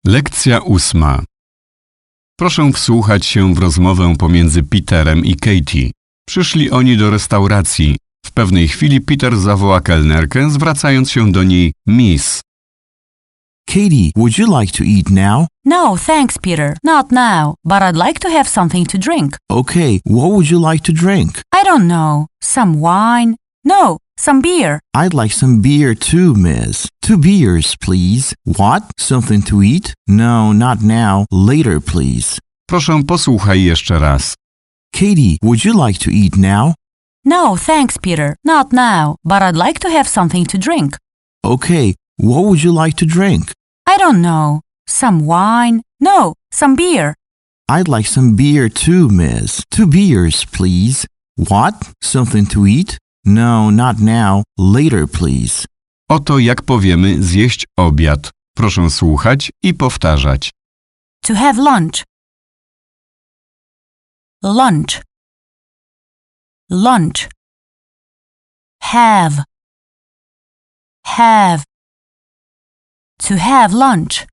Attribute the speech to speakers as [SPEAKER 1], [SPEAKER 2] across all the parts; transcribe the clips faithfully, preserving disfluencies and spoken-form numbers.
[SPEAKER 1] Lekcja ósma. Proszę wsłuchać się w rozmowę pomiędzy Peterem i Katie. Przyszli oni do restauracji. W pewnej chwili Peter zawoła kelnerkę, zwracając się do niej Miss.
[SPEAKER 2] Katie, would you like to eat now?
[SPEAKER 3] No, thanks, Peter. Not now, but I'd like to have something to drink.
[SPEAKER 2] Okay, what would you like to drink?
[SPEAKER 3] I don't know. Some wine? No, some beer.
[SPEAKER 2] I'd like some beer too, miss. Two beers, please. What? Something to eat? No, not now. Later, please.
[SPEAKER 1] Proszę posłuchaj jeszcze raz.
[SPEAKER 2] Katie, would you like to eat now?
[SPEAKER 3] No, thanks, Peter. Not now, but I'd like to have something to drink.
[SPEAKER 2] Okay, what would you like to drink?
[SPEAKER 3] I don't know. Some wine? No, some beer.
[SPEAKER 2] I'd like some beer too, miss. Two beers, please. What? Something to eat? No, not now. Later, please.
[SPEAKER 1] Oto jak powiemy zjeść obiad. Proszę słuchać i powtarzać.
[SPEAKER 3] To have lunch. Lunch. Lunch. Have. Have. To have lunch.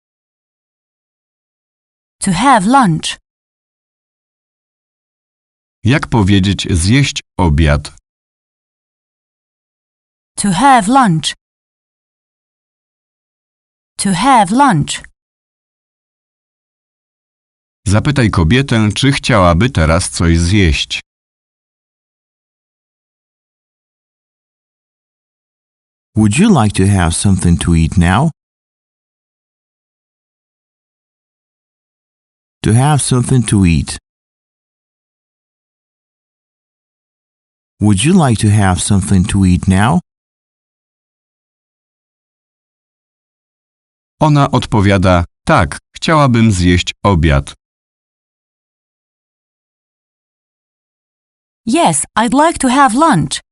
[SPEAKER 3] To have lunch.
[SPEAKER 1] Jak powiedzieć zjeść obiad?
[SPEAKER 3] To have lunch. To have lunch.
[SPEAKER 1] Zapytaj kobietę, czy chciałaby teraz coś zjeść.
[SPEAKER 2] Would you like to have something to eat now? To have something to eat. Would you like to have something to eat now?
[SPEAKER 1] Ona odpowiada, tak, chciałabym zjeść obiad.
[SPEAKER 3] Yes, I'd like to have lunch.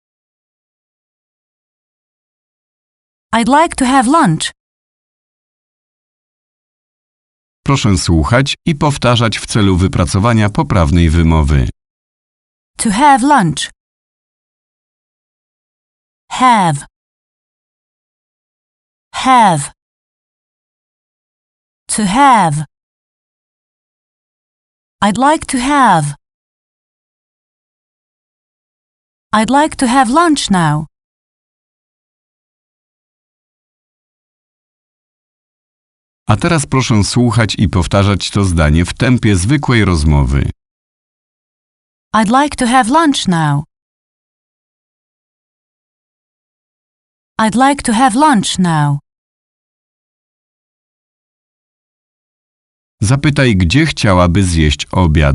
[SPEAKER 3] I'd like to have lunch.
[SPEAKER 1] Proszę słuchać i powtarzać w celu wypracowania poprawnej wymowy.
[SPEAKER 3] To have lunch. Have. Have. To have. I'd like to have. I'd like to have lunch now.
[SPEAKER 1] A teraz proszę słuchać i powtarzać to zdanie w tempie zwykłej rozmowy.
[SPEAKER 3] I'd like to have lunch now. I'd like to have lunch now.
[SPEAKER 1] Zapytaj, gdzie chciałaby zjeść obiad.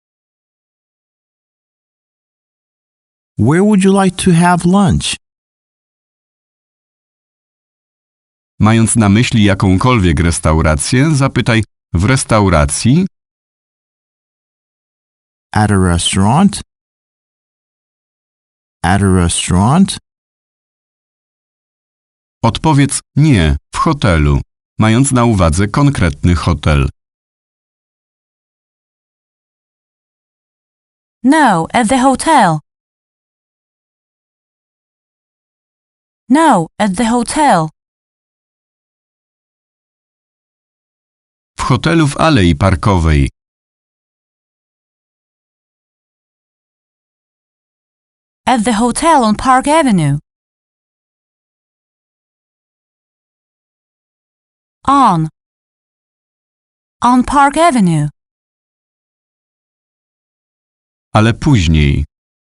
[SPEAKER 2] Where would you like to have lunch?
[SPEAKER 1] Mając na myśli jakąkolwiek restaurację, zapytaj w restauracji,
[SPEAKER 2] At a restaurant? At a restaurant?
[SPEAKER 1] odpowiedz nie, w hotelu, mając na uwadze konkretny hotel.
[SPEAKER 3] No, at the hotel. No, at the hotel.
[SPEAKER 1] W hotelu w Alei Parkowej.
[SPEAKER 3] At the hotel on Park Avenue. On. On Park Avenue.
[SPEAKER 1] Ale później.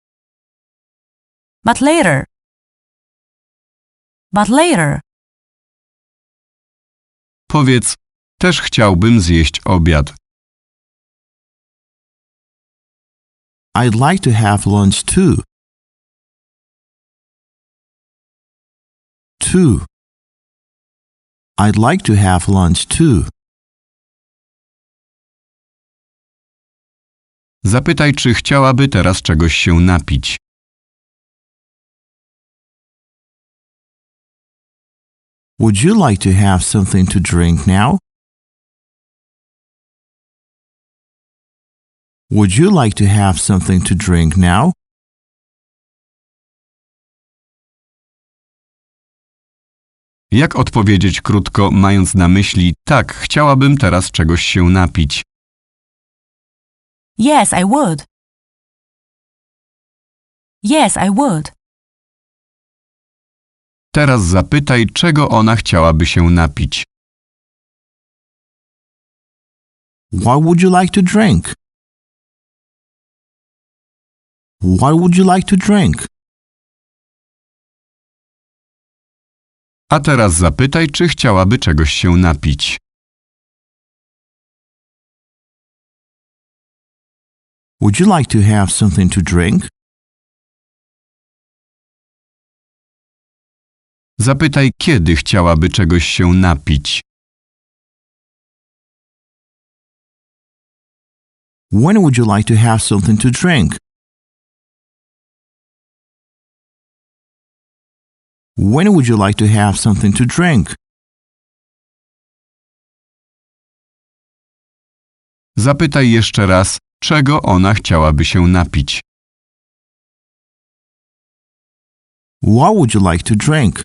[SPEAKER 3] But later. But later.
[SPEAKER 1] Powiedz, też chciałbym zjeść obiad.
[SPEAKER 2] I'd like to have lunch too. Two. I'd like to have lunch too.
[SPEAKER 1] Zapytaj, czy chciałaby teraz czegoś się napić.
[SPEAKER 2] Would you like to have something to drink now? Would you like to have something to drink now?
[SPEAKER 1] Jak odpowiedzieć krótko, mając na myśli tak, chciałabym teraz czegoś się napić?
[SPEAKER 3] Yes, I would. Yes, I would.
[SPEAKER 1] Teraz zapytaj, czego ona chciałaby się napić.
[SPEAKER 2] What would you like to drink? What would you like to drink?
[SPEAKER 1] A teraz zapytaj, czy chciałaby czegoś się napić.
[SPEAKER 2] Would you like to have something to drink?
[SPEAKER 1] Zapytaj, kiedy chciałaby czegoś się napić.
[SPEAKER 2] When would you like to have something to drink? When would you like to have something to drink?
[SPEAKER 1] Zapytaj jeszcze raz, czego ona chciałaby się napić.
[SPEAKER 2] What would you like to drink?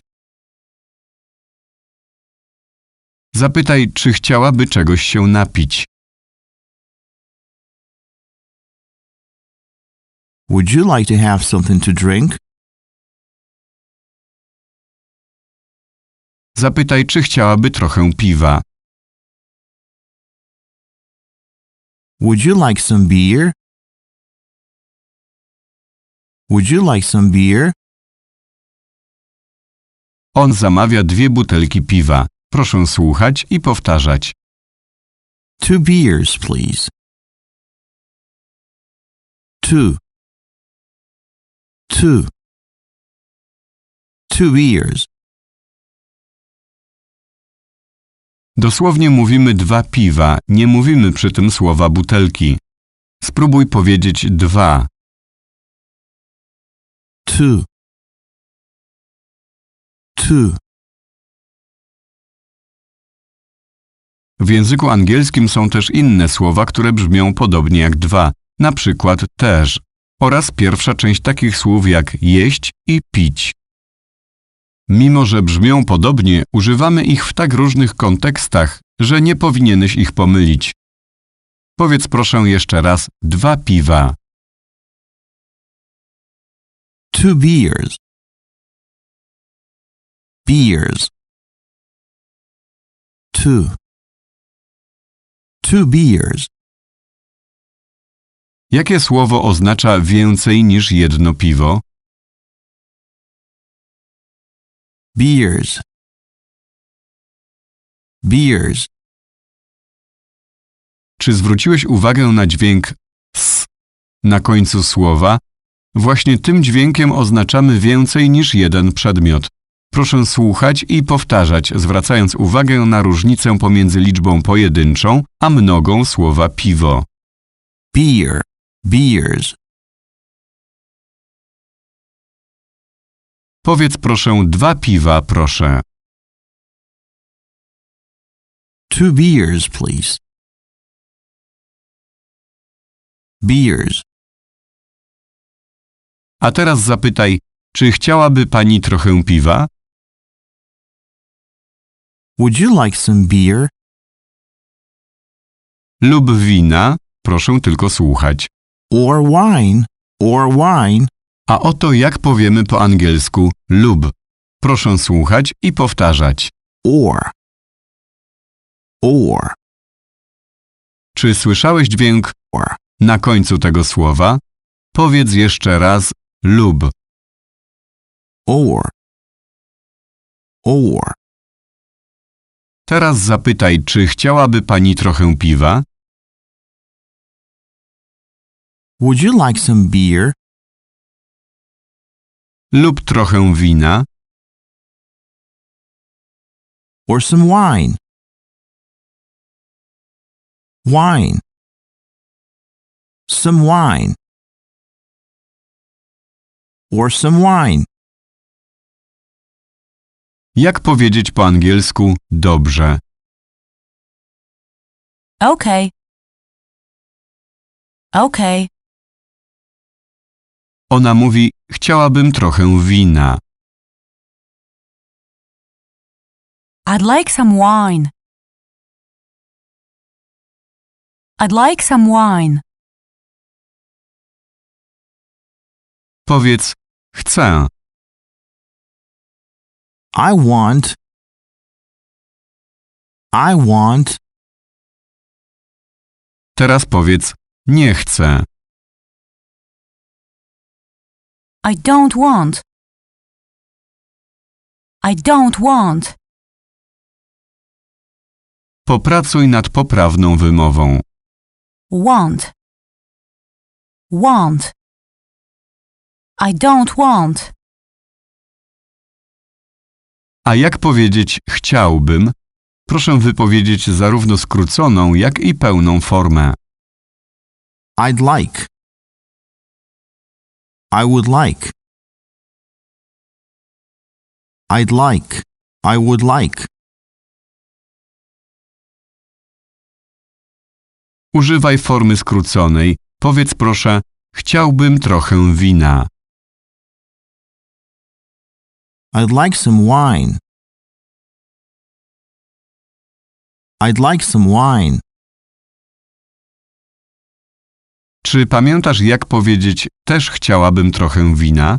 [SPEAKER 1] Zapytaj, czy chciałaby czegoś się napić.
[SPEAKER 2] Would you like to have something to drink?
[SPEAKER 1] Zapytaj, czy chciałaby trochę piwa.
[SPEAKER 2] Would you like some beer? Would you like some beer?
[SPEAKER 1] On zamawia dwie butelki piwa. Proszę słuchać i powtarzać.
[SPEAKER 2] Two beers, please. Two. Two. Two beers.
[SPEAKER 1] Dosłownie mówimy dwa piwa, nie mówimy przy tym słowa butelki. Spróbuj powiedzieć dwa.
[SPEAKER 2] Two. Two.
[SPEAKER 1] W języku angielskim są też inne słowa, które brzmią podobnie jak dwa, na przykład też, oraz pierwsza część takich słów jak jeść i pić. Mimo że brzmią podobnie, używamy ich w tak różnych kontekstach, że nie powinieneś ich pomylić. Powiedz proszę jeszcze raz dwa piwa.
[SPEAKER 2] Two beers. Beers. Two. Two beers.
[SPEAKER 1] Jakie słowo oznacza więcej niż jedno piwo?
[SPEAKER 2] Beers. Beers.
[SPEAKER 1] Czy zwróciłeś uwagę na dźwięk s na końcu słowa? Właśnie tym dźwiękiem oznaczamy więcej niż jeden przedmiot. Proszę słuchać i powtarzać, zwracając uwagę na różnicę pomiędzy liczbą pojedynczą a mnogą słowa piwo.
[SPEAKER 2] Beer. Beers.
[SPEAKER 1] Powiedz proszę dwa piwa, proszę.
[SPEAKER 2] Two beers, please. Beers.
[SPEAKER 1] A teraz zapytaj, czy chciałaby pani trochę piwa?
[SPEAKER 2] Would you like some beer?
[SPEAKER 1] Lub wina? Proszę tylko słuchać.
[SPEAKER 2] Or wine? Or wine?
[SPEAKER 1] A oto jak powiemy po angielsku lub. Proszę słuchać i powtarzać.
[SPEAKER 2] Or. Or.
[SPEAKER 1] Czy słyszałeś dźwięk
[SPEAKER 2] Or.
[SPEAKER 1] na końcu tego słowa? Powiedz jeszcze raz lub.
[SPEAKER 2] Or. Or.
[SPEAKER 1] Teraz zapytaj, czy chciałaby pani trochę piwa?
[SPEAKER 2] Would you like some beer?
[SPEAKER 1] Lub trochę wina?
[SPEAKER 2] Or some wine? Wine. Some wine. Or some wine.
[SPEAKER 1] Jak powiedzieć po angielsku dobrze?
[SPEAKER 3] Okay. Okay.
[SPEAKER 1] Ona mówi, chciałabym trochę wina.
[SPEAKER 3] I'd like some wine. I'd like some wine.
[SPEAKER 1] Powiedz chcę.
[SPEAKER 2] I want. I want.
[SPEAKER 1] Teraz powiedz nie chcę.
[SPEAKER 3] I don't want. I don't want.
[SPEAKER 1] Popracuj nad poprawną wymową.
[SPEAKER 3] Want. Want. I don't want.
[SPEAKER 1] A jak powiedzieć chciałbym? Proszę wypowiedzieć zarówno skróconą, jak i pełną formę.
[SPEAKER 2] I'd like. I would like. I'd like. I would like.
[SPEAKER 1] Używaj formy skróconej. Powiedz proszę, chciałbym trochę wina.
[SPEAKER 2] I'd like some wine. I'd like some wine.
[SPEAKER 1] Czy pamiętasz, jak powiedzieć też chciałabym trochę wina?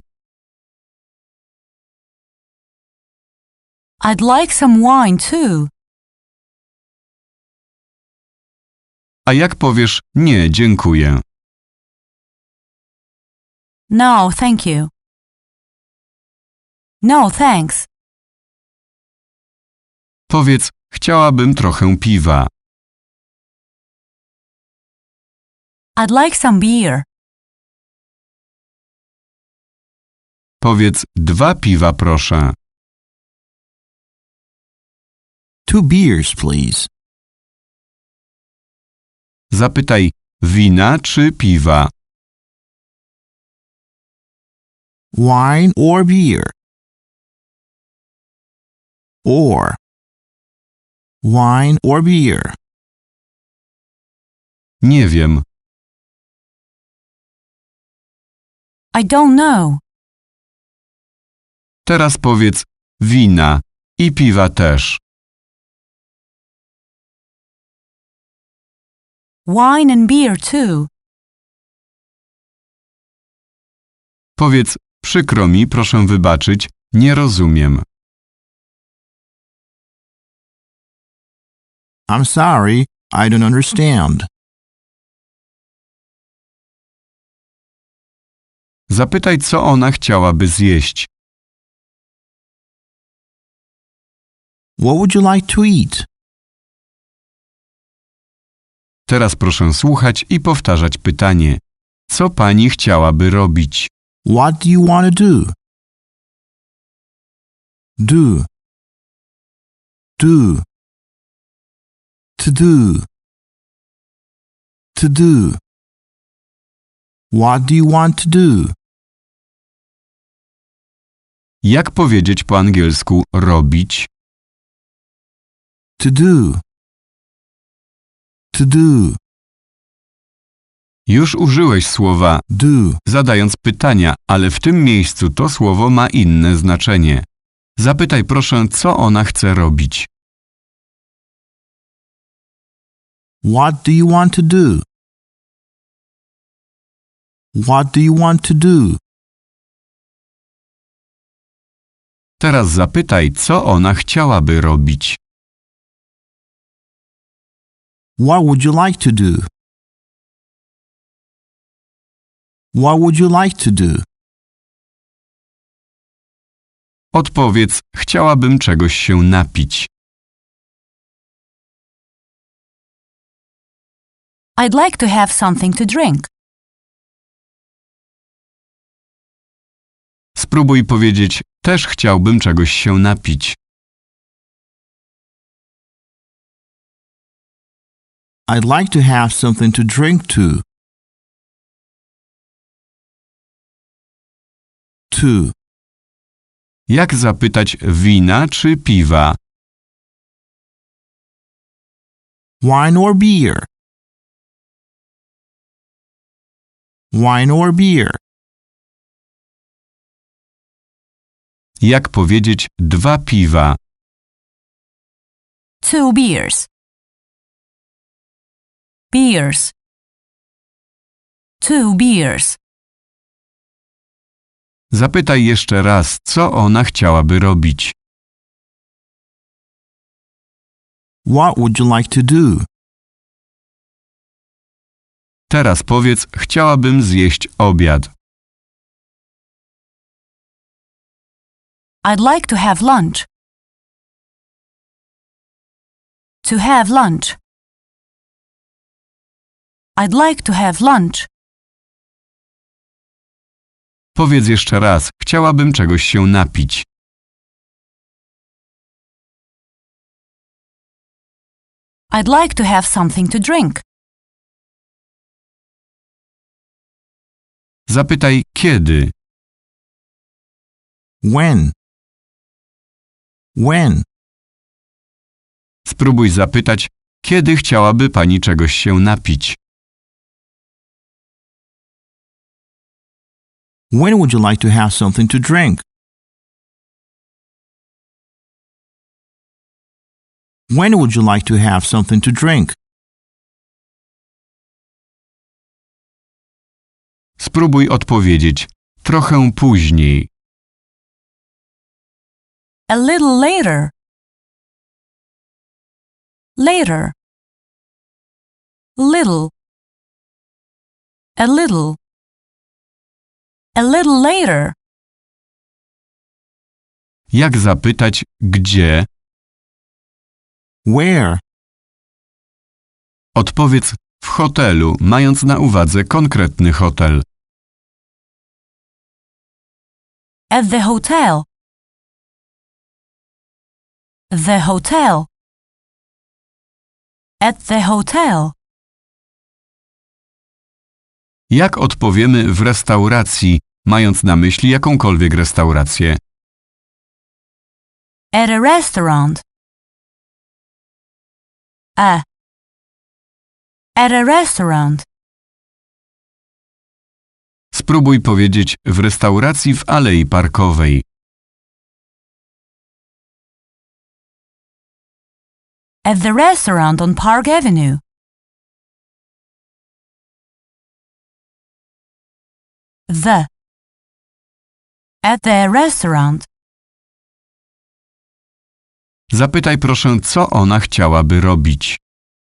[SPEAKER 3] I'd like some wine too.
[SPEAKER 1] A jak powiesz nie, dziękuję?
[SPEAKER 3] No, thank you. No, thanks.
[SPEAKER 1] Powiedz chciałabym trochę piwa.
[SPEAKER 3] I'd like some beer.
[SPEAKER 1] Powiedz dwa piwa proszę.
[SPEAKER 2] Two beers, please.
[SPEAKER 1] Zapytaj wina czy piwa.
[SPEAKER 2] Wine or beer. Or. Wine or beer.
[SPEAKER 1] Nie wiem.
[SPEAKER 3] I don't know.
[SPEAKER 1] Teraz powiedz wina i piwa też.
[SPEAKER 3] Wine and beer too.
[SPEAKER 1] Powiedz przykro mi, proszę wybaczyć, nie rozumiem.
[SPEAKER 2] I'm sorry, I don't understand.
[SPEAKER 1] Zapytaj, co ona chciałaby zjeść.
[SPEAKER 2] What would you like to eat?
[SPEAKER 1] Teraz proszę słuchać i powtarzać pytanie. Co pani chciałaby robić?
[SPEAKER 2] What do you want to do? Do. Do. To do. To do. What do you want to do?
[SPEAKER 1] Jak powiedzieć po angielsku robić?
[SPEAKER 2] To do. To do.
[SPEAKER 1] Już użyłeś słowa
[SPEAKER 2] Do.
[SPEAKER 1] zadając pytania, ale w tym miejscu to słowo ma inne znaczenie. Zapytaj proszę, co ona chce robić.
[SPEAKER 2] What do you want to do? What do you want to do?
[SPEAKER 1] Teraz zapytaj, co ona chciałaby robić.
[SPEAKER 2] What would you like to do? What would you like to do?
[SPEAKER 1] Odpowiedz, chciałabym czegoś się napić.
[SPEAKER 3] I'd like to have something to drink.
[SPEAKER 1] Spróbuj powiedzieć, też chciałbym czegoś się napić.
[SPEAKER 2] I'd like to have something to drink too. Two.
[SPEAKER 1] Jak zapytać wina czy piwa?
[SPEAKER 2] Wine or beer? Wine or beer?
[SPEAKER 1] Jak powiedzieć dwa piwa?
[SPEAKER 3] Two beers. Beers. Two beers.
[SPEAKER 1] Zapytaj jeszcze raz, co ona chciałaby robić.
[SPEAKER 2] What would you like to do?
[SPEAKER 1] Teraz powiedz, chciałabym zjeść obiad.
[SPEAKER 3] I'd like to have lunch. To have lunch. I'd like to have lunch.
[SPEAKER 1] Powiedz jeszcze raz, chciałabym czegoś się napić.
[SPEAKER 3] I'd like to have something to drink.
[SPEAKER 1] Zapytaj kiedy.
[SPEAKER 2] When? When?
[SPEAKER 1] Spróbuj zapytać, kiedy chciałaby pani czegoś się napić.
[SPEAKER 2] When would you like to have something to drink? When would you like to have something to drink?
[SPEAKER 1] Spróbuj odpowiedzieć, trochę później.
[SPEAKER 3] A little later. Later. Little. A little. A little later.
[SPEAKER 1] Jak zapytać, gdzie?
[SPEAKER 2] Where?
[SPEAKER 1] Odpowiedz w hotelu, mając na uwadze konkretny hotel.
[SPEAKER 3] At the hotel. The hotel. At the hotel.
[SPEAKER 1] Jak odpowiemy w restauracji, mając na myśli jakąkolwiek restaurację?
[SPEAKER 3] At a restaurant. A. At a restaurant.
[SPEAKER 1] Spróbuj powiedzieć w restauracji w Alei Parkowej.
[SPEAKER 3] At the restaurant on Park Avenue. The. At the restaurant.
[SPEAKER 1] Zapytaj proszę, co ona chciałaby robić.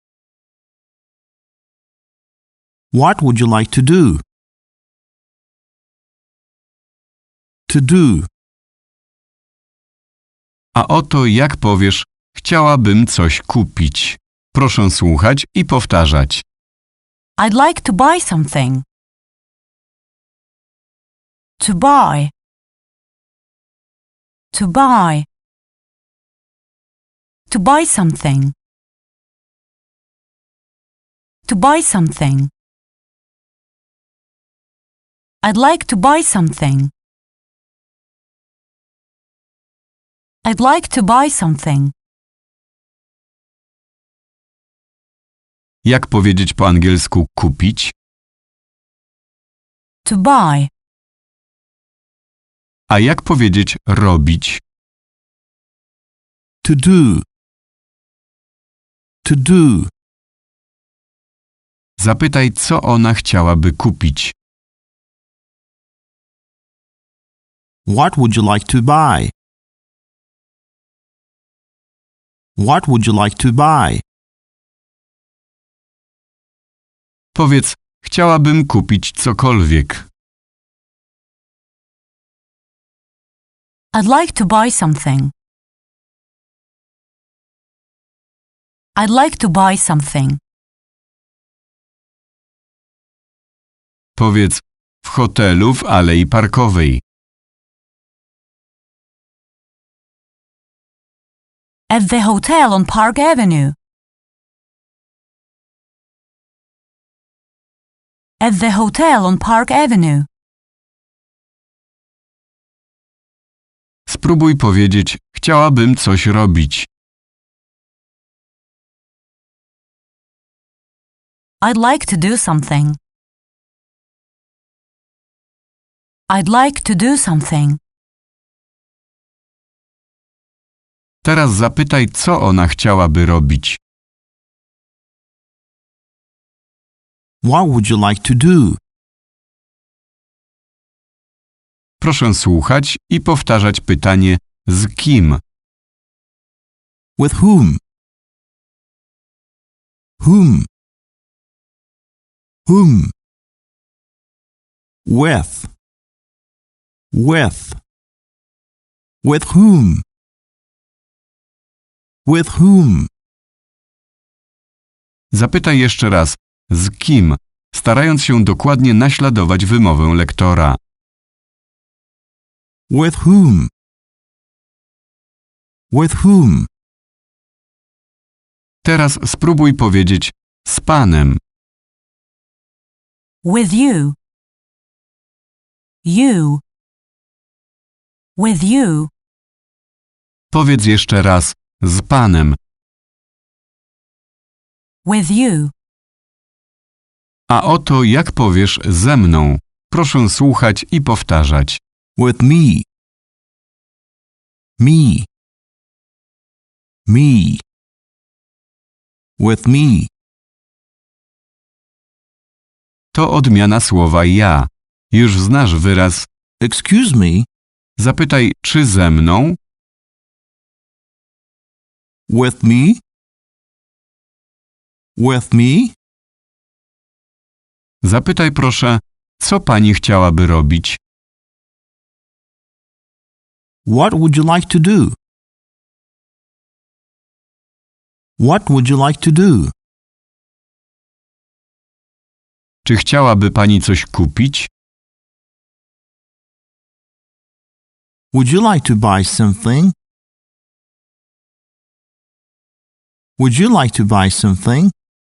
[SPEAKER 2] What would you like to do? To do.
[SPEAKER 1] A oto jak powiesz, chciałabym coś kupić. Proszę słuchać i powtarzać.
[SPEAKER 3] I'd like to buy something. To buy. To buy. To buy something. To buy something. I'd like to buy something. I'd like to buy something.
[SPEAKER 1] Jak powiedzieć po angielsku kupić?
[SPEAKER 3] To buy.
[SPEAKER 1] A jak powiedzieć robić?
[SPEAKER 2] To do. To do.
[SPEAKER 1] Zapytaj, co ona chciałaby kupić.
[SPEAKER 2] What would you like to buy? What would you like to buy?
[SPEAKER 1] Powiedz, chciałabym kupić cokolwiek.
[SPEAKER 3] I'd like to buy something. I'd like to buy something.
[SPEAKER 1] Powiedz, w hotelu w Alei Parkowej.
[SPEAKER 3] At the hotel on Park Avenue. At the hotel on Park Avenue.
[SPEAKER 1] Spróbuj powiedzieć, chciałabym coś robić.
[SPEAKER 3] I'd like to do something. I'd like to do something.
[SPEAKER 1] Teraz zapytaj, co ona chciałaby robić.
[SPEAKER 2] What would you like to do?
[SPEAKER 1] Proszę słuchać i powtarzać pytanie z kim.
[SPEAKER 2] With whom? Whom? Whom? With. With. With whom? With whom?
[SPEAKER 1] Zapytaj jeszcze raz z kim, starając się dokładnie naśladować wymowę lektora.
[SPEAKER 2] With whom? With whom?
[SPEAKER 1] Teraz spróbuj powiedzieć z panem.
[SPEAKER 3] With you. You. With you.
[SPEAKER 1] Powiedz jeszcze raz z panem.
[SPEAKER 3] With you.
[SPEAKER 1] A oto jak powiesz ze mną. Proszę słuchać i powtarzać.
[SPEAKER 2] With me. Me. Me. With me.
[SPEAKER 1] To odmiana słowa ja. Już znasz wyraz.
[SPEAKER 2] Excuse me.
[SPEAKER 1] Zapytaj, czy ze mną?
[SPEAKER 2] With me? With me?
[SPEAKER 1] Zapytaj proszę, co pani chciałaby robić?
[SPEAKER 2] What would you like to do? What would you like to do?
[SPEAKER 1] Czy chciałaby pani coś kupić?
[SPEAKER 2] Would you like to buy something? Would you like to buy something?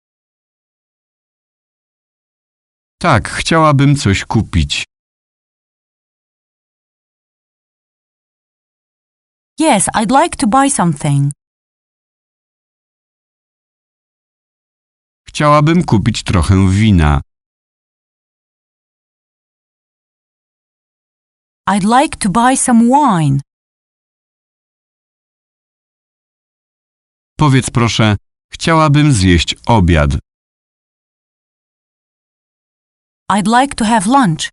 [SPEAKER 1] Tak, chciałabym coś kupić.
[SPEAKER 3] Yes, I'd like to buy something.
[SPEAKER 1] Chciałabym kupić trochę wina.
[SPEAKER 3] I'd like to buy some wine.
[SPEAKER 1] Powiedz proszę, chciałabym zjeść obiad.
[SPEAKER 3] I'd like to have lunch.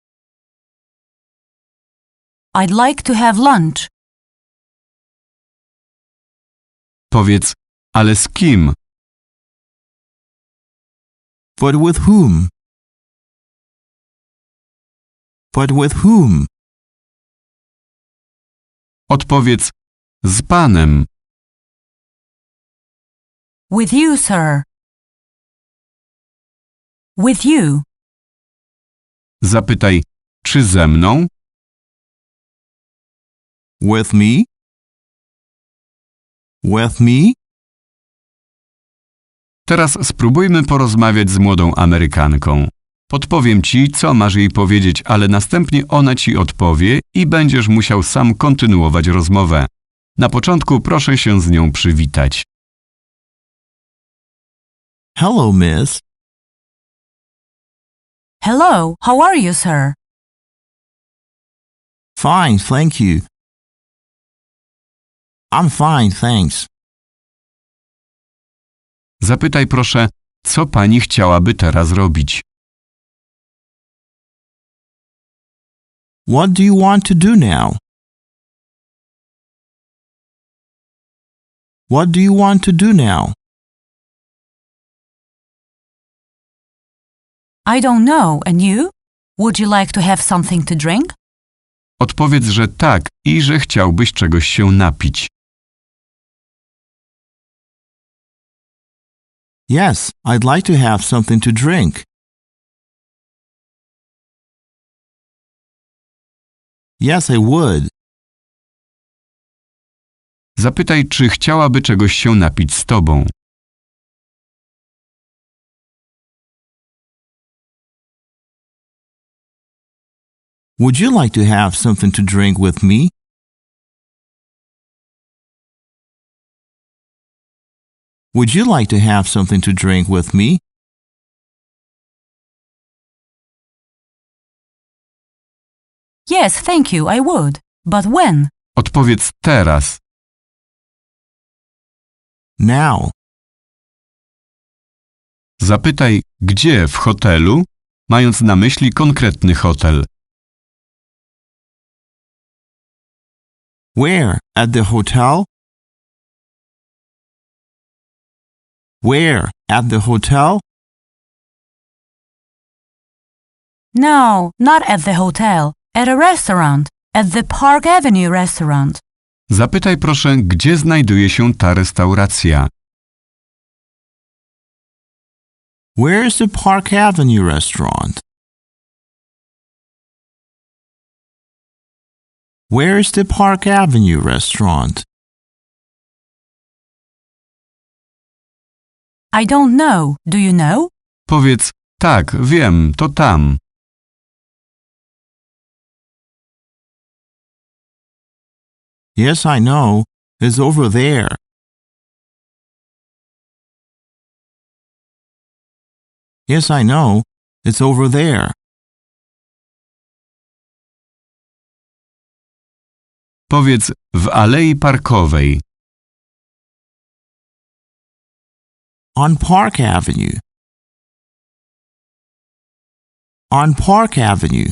[SPEAKER 3] I'd like to have lunch.
[SPEAKER 1] Powiedz, ale z kim?
[SPEAKER 2] But with whom? But with whom?
[SPEAKER 1] Odpowiedz, z panem.
[SPEAKER 3] With you, sir. With you.
[SPEAKER 1] Zapytaj, czy ze mną?
[SPEAKER 2] With me? With me?
[SPEAKER 1] Teraz spróbujmy porozmawiać z młodą Amerykanką. Podpowiem ci, co masz jej powiedzieć, ale następnie ona ci odpowie i będziesz musiał sam kontynuować rozmowę. Na początku proszę się z nią przywitać.
[SPEAKER 2] Hello, miss.
[SPEAKER 3] Hello, how are you, sir?
[SPEAKER 2] Fine, thank you. I'm fine, thanks.
[SPEAKER 1] Zapytaj proszę, co pani chciałaby teraz robić?
[SPEAKER 2] What do you want to do now? What do you want to do now?
[SPEAKER 3] I don't know, and you? Would you like to have something to drink?
[SPEAKER 1] Odpowiedz, że tak i że chciałbyś czegoś się napić.
[SPEAKER 2] Yes, I'd like to have something to drink. Yes, I would.
[SPEAKER 1] Zapytaj, czy chciałaby czegoś się napić z tobą.
[SPEAKER 2] Would you like to have something to drink with me? Would you like to have something to drink with me?
[SPEAKER 3] Yes, thank you, I would. But when?
[SPEAKER 1] Odpowiedz teraz.
[SPEAKER 2] now.
[SPEAKER 1] Zapytaj, gdzie w hotelu, mając na myśli konkretny hotel.
[SPEAKER 2] Where? At the hotel? Where? At the hotel?
[SPEAKER 3] No, not at the hotel. At a restaurant. At the Park Avenue restaurant.
[SPEAKER 1] Zapytaj proszę, gdzie znajduje się ta restauracja.
[SPEAKER 2] Where is the Park Avenue restaurant? Where is the Park Avenue restaurant?
[SPEAKER 3] I don't know. Do you know?
[SPEAKER 1] Powiedz, tak, wiem, to tam.
[SPEAKER 2] Yes, I know. It's over there. Yes, I know. It's over there.
[SPEAKER 1] Powiedz, w alei parkowej.
[SPEAKER 2] On Park Avenue. On Park Avenue.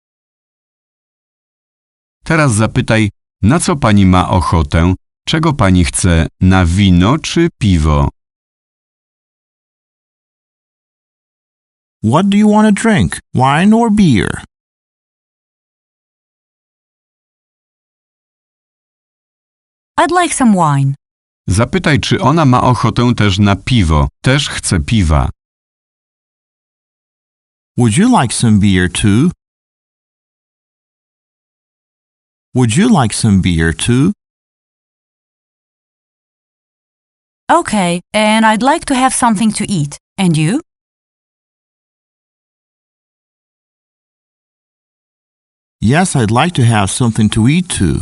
[SPEAKER 1] Teraz zapytaj, na co pani ma ochotę, czego pani chce, na wino czy piwo.
[SPEAKER 2] What do you want to drink? Wine or beer?
[SPEAKER 3] I'd like some wine.
[SPEAKER 1] Zapytaj, czy ona ma ochotę też na piwo, też chce piwa.
[SPEAKER 2] Would you like some beer too? Would you like some beer too?
[SPEAKER 3] Okay, and I'd like to have something to eat. And you?
[SPEAKER 2] Yes, I'd like to have something to eat too.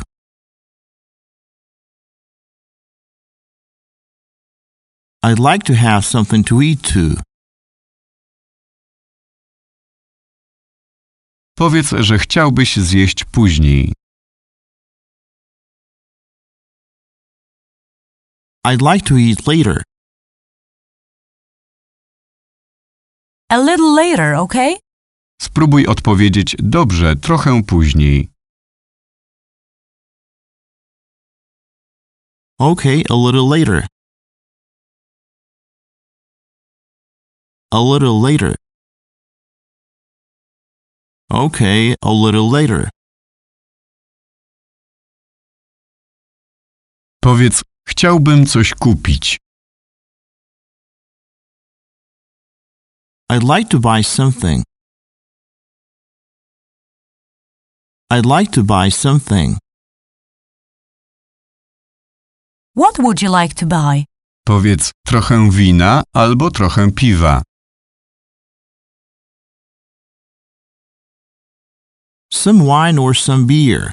[SPEAKER 2] I'd like to have something to eat too.
[SPEAKER 1] Powiedz, że chciałbyś zjeść później.
[SPEAKER 2] I'd like to eat later.
[SPEAKER 3] A little later, okay?
[SPEAKER 1] Spróbuj odpowiedzieć dobrze, trochę później.
[SPEAKER 2] Okay, a little later. A little later. Okay, a little later.
[SPEAKER 1] Powiedz, chciałbym coś kupić.
[SPEAKER 2] I'd like to buy something. I'd like to buy something.
[SPEAKER 3] What would you like to buy?
[SPEAKER 1] Powiedz trochę wina albo trochę piwa.
[SPEAKER 2] Some wine or some beer.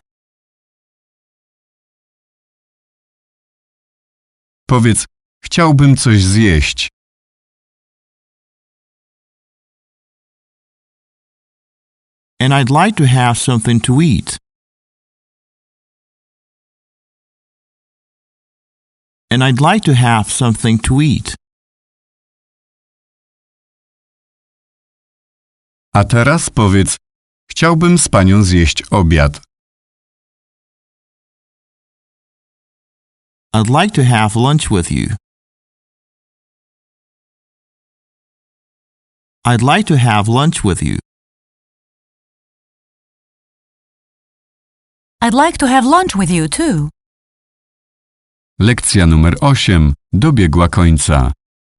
[SPEAKER 1] Powiedz, chciałbym coś zjeść.
[SPEAKER 2] And I'd like to have something to eat. And I'd like to have something to eat.
[SPEAKER 1] A teraz powiedz, chciałbym z panią zjeść obiad.
[SPEAKER 2] I'd like to have lunch with you. I'd like to have lunch with you.
[SPEAKER 3] I'd like to have lunch with you too.
[SPEAKER 1] Lekcja numer osiem dobiegła końca.